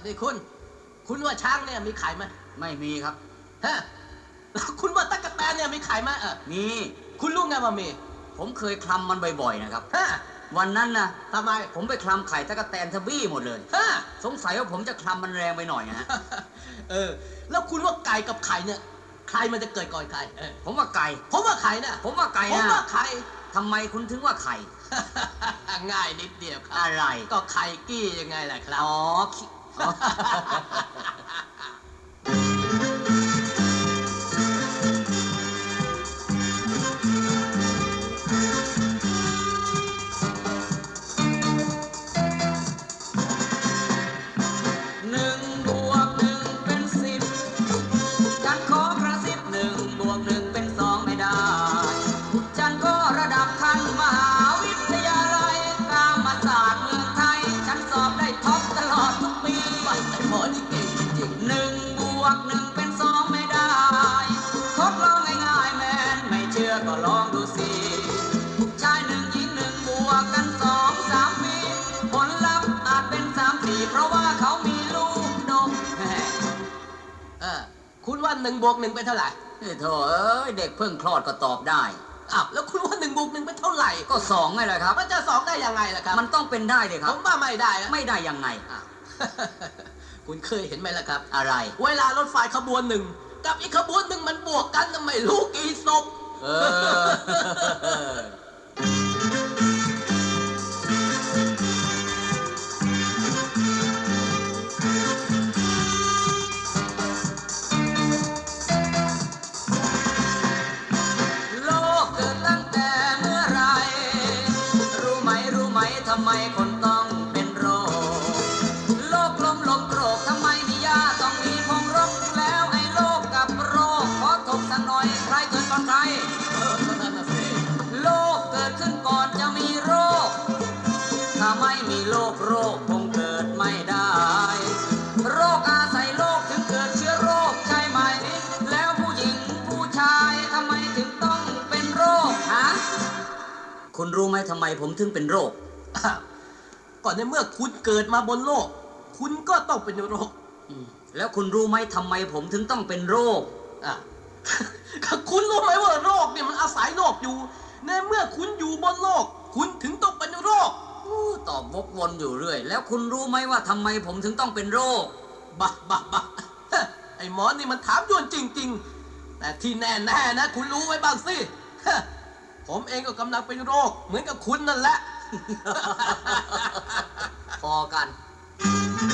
นี่คุณว่าช้างเนี่ยมีไข่ไหมไม่มีครับฮะแล้วคุณว่าตั๊กแตนเนี่ยมีไข่ไหมมีคุณรู้ไงว่ามีผมเคยคลำมันบ่อยๆนะครับฮะวันนั้นนะทำไมผมไปคลำไข่ตั๊กแตนทบี้หมดเลยฮะสงสัยว่าผมจะคลำมันแรงไปหน่อยนะแล้วคุณว่าไก่กับไข่เนี่ยใครมันจะเกิดก่อนใครผมว่าไก่ผมว่าไข่นะผมว่าไก่นะผมว่าไข่ทำไมคุณถึงว่าไข่ง่ายนิดเดียวครับอะไรก็ไข่กี้ยังไงล่ะครับอ๋อก็ลองดูสิชายหนึ่งหญิงหนึ่งบวกกัน2-3ปีผลลัพธ์อาจเป็น3-4เพราะว่าเขามีลูกดกคุณว่า1 บวก 1เป็นเท่าไหร่โธ่เด็กเพิ่งคลอดก็ตอบได้อ้าวแล้วคุณว่า1 บวก 1เป็นเท่าไหร่ก็2ไงล่ะครับมันจะ2ได้ยังไงล่ะครับมันต้องเป็นได้เลยครับผมว่าไม่ได้ไม่ได้ยังไงคุณเคยเห็นไหมล่ะครับอะไรเวลารถไฟขบวนหนึ่งกับอีกขบวนหนึ่งมันบวกกันไม่รู้กี่ศพโลกเกิดตั้งแต่เมื่อไรรู้ไหมทำไมคนต้องเป็นโรคโลกลมโกรกทำไมมียาต้องมีพงรกแล้วไอ้โลกกับโรคขอถกสักหน่อยใครเกิดก่อนใครโลกเกิดขึ้นก่อนจะมีโรคถ้าไม่มีโรคคงเกิดไม่ได้โรคอาศัยโรคถึงเกิดเชื้อโรคใช่ไหมแล้วผู้หญิงผู้ชายทำไมถึงต้องเป็นโรคฮะคุณรู้ไหมทำไมผมถึงเป็นโรคก่อนในเมื่อคุณเกิดมาบนโลกคุณก็ต้องเป็นโรคแล้วคุณรู้ไหมทำไมผมถึงต้องเป็นโรคคุณรู้ไหมว่าโรคเนี่ยมันอาศัยโลกอยู่ในเมื่อคุณอยู่บนโลกคุณถึงต้องเป็นโรคตอบวกวนอยู่เรื่อยแล้วคุณรู้ไหมว่าทำไมผมถึงต้องเป็นโรคบ้าไอ้หมอนี่มันถามยวนจริงๆแต่ที่แน่ๆนะคุณรู้ไว้บ้างสิผมเองก็กำลังเป็นโรคเหมือนกับคุณนั่นแหละพอกัน